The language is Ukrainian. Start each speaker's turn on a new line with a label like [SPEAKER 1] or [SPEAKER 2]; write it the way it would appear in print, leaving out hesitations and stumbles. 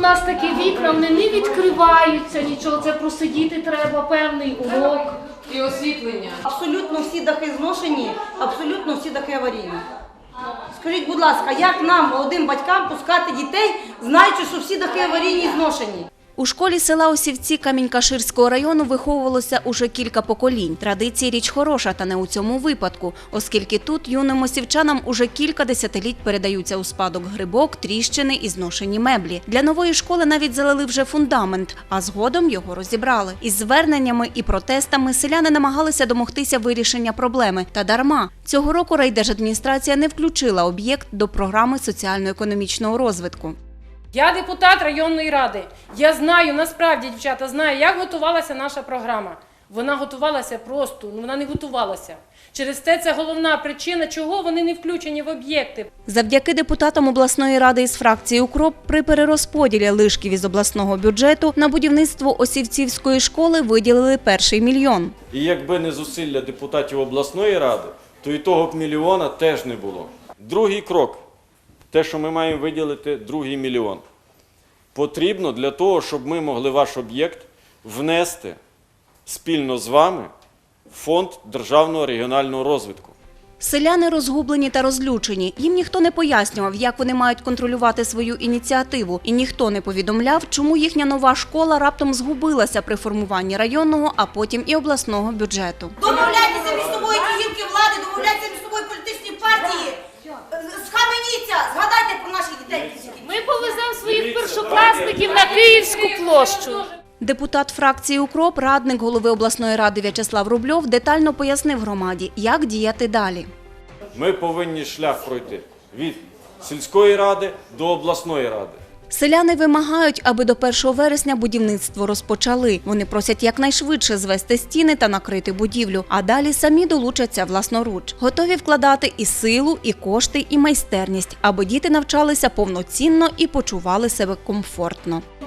[SPEAKER 1] нас такі вікна, вони не відкриваються, нічого, це просидіти треба певний урок.
[SPEAKER 2] І освітлення.
[SPEAKER 3] Абсолютно всі дахи зношені, абсолютно всі дахи аварійні. Скажіть, будь ласка, як нам, молодим батькам, пускати дітей, знаючи, що всі дахи аварійні і зношені?
[SPEAKER 4] У школі села Осівці Камінь-Каширського району виховувалося уже кілька поколінь. Традиції – річ хороша, та не у цьому випадку, оскільки тут юним осівчанам уже кілька десятиліть передаються у спадок грибок, тріщини і зношені меблі. Для нової школи навіть залили вже фундамент, а згодом його розібрали. Із зверненнями і протестами селяни намагалися домогтися вирішення проблеми. Та дарма. Цього року райдержадміністрація не включила об'єкт до програми соціально-економічного розвитку.
[SPEAKER 5] Я депутат районної ради. Я знаю, насправді, дівчата, знаю, як готувалася наша програма. Вона готувалася просто, вона не готувалася. Через це головна причина, чого вони не включені в об'єкти.
[SPEAKER 4] Завдяки депутатам обласної ради із фракції «УКРОП» при перерозподілі лишків із обласного бюджету на будівництво Осівцівської школи виділили перший $1 мільйон.
[SPEAKER 6] І якби не зусилля депутатів обласної ради, то і того б мільйона теж не було. Другий крок. Те, що ми маємо виділити другий $1 мільйон, потрібно для того, щоб ми могли ваш об'єкт внести спільно з вами в Фонд державного регіонального розвитку.
[SPEAKER 4] Селяни розгублені та розлючені. Їм ніхто не пояснював, як вони мають контролювати свою ініціативу. І ніхто не повідомляв, чому їхня нова школа раптом згубилася при формуванні районного, а потім і обласного бюджету.
[SPEAKER 3] Домовляйтеся між собою ті гілки влади, домовляйтеся між собою політичні партії. Схаменіться, згадайте про наших дітей.
[SPEAKER 1] Ми повеземо своїх першокласників на Київську площу.
[SPEAKER 4] Депутат фракції «УКРОП», радник голови обласної ради В'ячеслав Рубльов детально пояснив громаді, як діяти далі.
[SPEAKER 6] Ми повинні шлях пройти від сільської ради до обласної ради.
[SPEAKER 4] Селяни вимагають, аби до 1 вересня будівництво розпочали. Вони просять якнайшвидше звести стіни та накрити будівлю, а далі самі долучаться власноруч. Готові вкладати і силу, і кошти, і майстерність, аби діти навчалися повноцінно і почували себе комфортно.